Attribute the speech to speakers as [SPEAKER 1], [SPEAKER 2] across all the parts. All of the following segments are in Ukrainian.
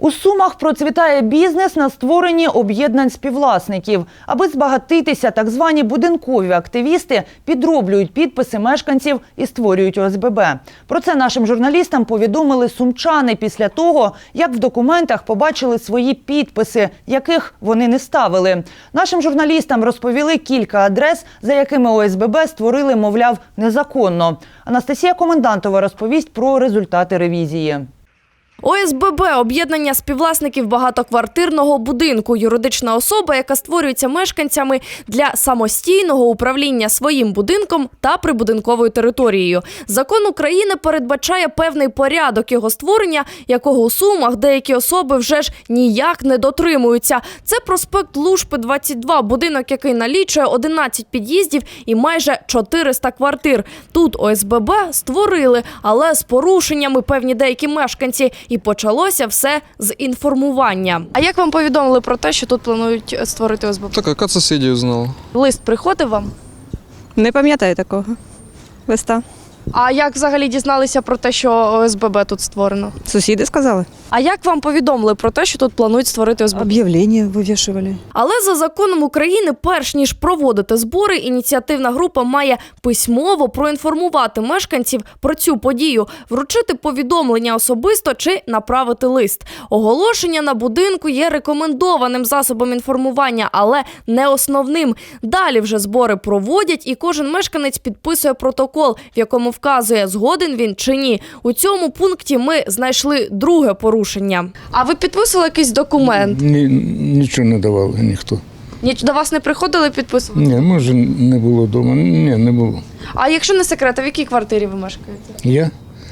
[SPEAKER 1] У Сумах процвітає бізнес на створенні об'єднань співвласників. Аби збагатитися, так звані будинкові активісти підроблюють підписи мешканців і створюють ОСББ. Про це нашим журналістам повідомили сумчани після того, як в документах побачили свої підписи, яких вони не ставили. Нашим журналістам розповіли кілька адрес, за якими ОСББ створили, мовляв, незаконно. Анастасія Комендантова розповість про результати ревізії.
[SPEAKER 2] ОСББ – об'єднання співвласників багатоквартирного будинку. Юридична особа, яка створюється мешканцями для самостійного управління своїм будинком та прибудинковою територією. Закон України передбачає певний порядок його створення, якого у Сумах деякі особи вже ж ніяк не дотримуються. Це проспект Лушпи, 22, будинок, який налічує 11 під'їздів і майже 400 квартир. Тут ОСББ створили, але з порушеннями певні деякі мешканці. І почалося все з інформування. А як вам повідомили про те, що тут планують створити ОСББ?
[SPEAKER 3] Так, яка сусідів знала.
[SPEAKER 2] Лист приходив вам?
[SPEAKER 4] Не пам'ятаю такого листа.
[SPEAKER 2] А як взагалі дізналися про те, що ОСББ тут створено?
[SPEAKER 4] Сусіди сказали.
[SPEAKER 2] А як вам повідомили про те, що тут планують створити ОСББ?
[SPEAKER 4] Об'явлення вивішували.
[SPEAKER 2] Але за законом України, перш ніж проводити збори, ініціативна група має письмово проінформувати мешканців про цю подію, вручити повідомлення особисто чи направити лист. Оголошення на будинку є рекомендованим засобом інформування, але не основним. Далі вже збори проводять і кожен мешканець підписує протокол, в якому вказує, згоден він чи ні. У цьому пункті ми знайшли друге порушення. А ви підписували якийсь документ?
[SPEAKER 5] Нічого не давали ніхто.
[SPEAKER 2] До вас не приходили підписувати?
[SPEAKER 5] Ні, може не було вдома. Ні, не було.
[SPEAKER 2] А якщо не секрет, а в якій квартирі ви мешкаєте?
[SPEAKER 5] Я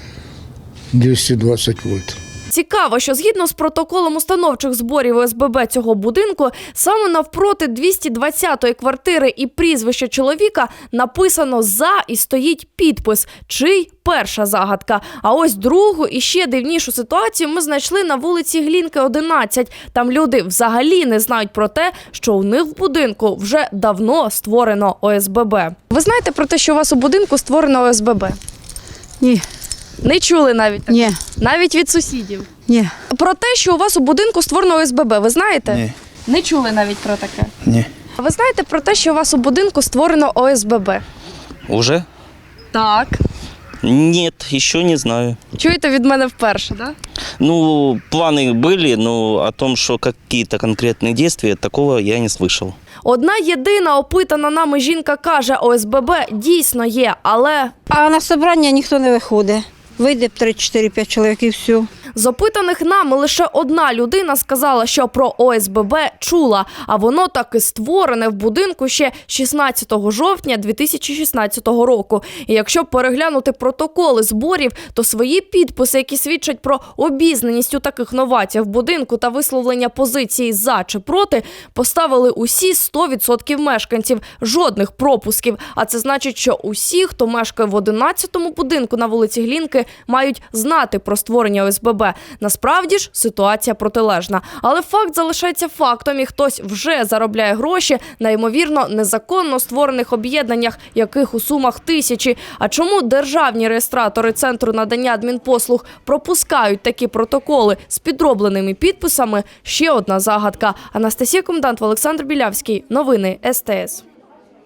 [SPEAKER 5] 220 вольт.
[SPEAKER 2] Цікаво, що згідно з протоколом установчих зборів ОСББ цього будинку, саме навпроти 220-ї квартири і прізвище чоловіка написано «за» і стоїть підпис «чий» – перша загадка. А ось другу і ще дивнішу ситуацію ми знайшли на вулиці Глінки, 11. Там люди взагалі не знають про те, що у них в будинку вже давно створено ОСББ. Ви знаєте про те, що у вас у будинку створено ОСББ?
[SPEAKER 4] Ні.
[SPEAKER 2] Не чули навіть?
[SPEAKER 4] Ні.
[SPEAKER 2] Навіть від сусідів?
[SPEAKER 4] Ні.
[SPEAKER 2] Про те, що у вас у будинку створено ОСББ, ви знаєте?
[SPEAKER 5] Ні.
[SPEAKER 2] Не чули навіть про таке?
[SPEAKER 5] Ні.
[SPEAKER 2] Ви знаєте про те, що у вас у будинку створено ОСББ?
[SPEAKER 6] Уже?
[SPEAKER 2] Так.
[SPEAKER 6] Нет, еще не знаю.
[SPEAKER 2] Чуєте від мене вперше, так?
[SPEAKER 6] Ну, планы были, но о том, что какие-то конкретные действия, такого я не слышал.
[SPEAKER 2] Одна єдина опитана нами жінка каже, ОСББ дійсно є, але...
[SPEAKER 4] А на собрання ніхто не виходить. Вийде 3-4-5 чоловік і все.
[SPEAKER 2] З опитаних нами лише одна людина сказала, що про ОСББ чула, а воно таки створене в будинку ще 16 жовтня 2016 року. І якщо переглянути протоколи зборів, то свої підписи, які свідчать про обізнаність у таких новаціях в будинку та висловлення позиції «за» чи «проти», поставили усі 100% мешканців, жодних пропусків. А це значить, що усі, хто мешкає в 11-му будинку на вулиці Глінки, мають знати про створення ОСББ. Насправді ж ситуація протилежна. Але факт залишається фактом, і хтось вже заробляє гроші на, ймовірно, незаконно створених об'єднаннях, яких у Сумах тисячі. А чому державні реєстратори Центру надання адмінпослуг пропускають такі протоколи з підробленими підписами – ще одна загадка. Анастасія Комендантова, Олександр Білявський. Новини СТС.